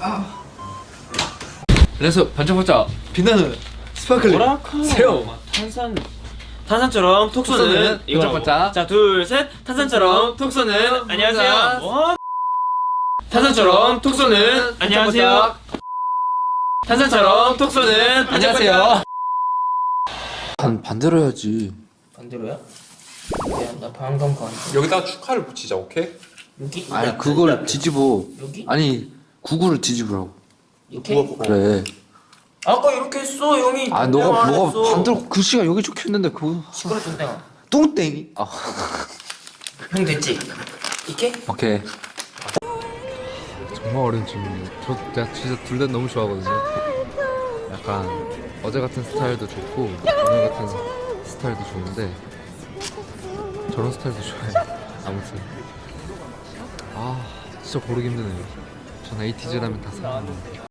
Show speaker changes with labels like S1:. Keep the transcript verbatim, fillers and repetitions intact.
S1: 그래서 반짝반짝 빛나는 스파클링
S2: 오라클
S1: 새우
S2: 탄산 탄산처럼 톡 쏘는 이거
S1: 반짝반짝.
S2: 자 둘 셋 탄산처럼 톡 쏘는 안녕하세요. 뭐? 탄산처럼 톡 쏘는 안녕하세요. 탄산처럼 톡 쏘는
S1: 안녕하세요. 반 반대로 해야지.
S2: 반대로야? 미안 나 방금 건
S3: 여기다 축하를 붙이자. 오케이?
S2: 여기
S1: 아니 그걸 뒤집어.
S2: 여기
S1: 아니 구구를 뒤집으라고.
S2: 이렇게
S1: 그래.
S2: 아까 이렇게 했어 형이.
S1: 아 너가 너가 반대로 글씨가 여기 적혀 있는데 그거.
S2: 시끄러 뚱땡아.
S1: 똥땡이. 아
S2: 형 됐지? 이렇게?
S1: 오케이.
S4: 정말 어려운 질문이에요. 저 제가 진짜 둘 다 너무 좋아하거든요. 약간 어제 같은 스타일도 좋고 오늘 같은 스타일도 좋은데 저런 스타일도 좋아해요. 아무튼 아 진짜 고르기 힘드네요. 전 에이티즈라면 다 사랑합니다.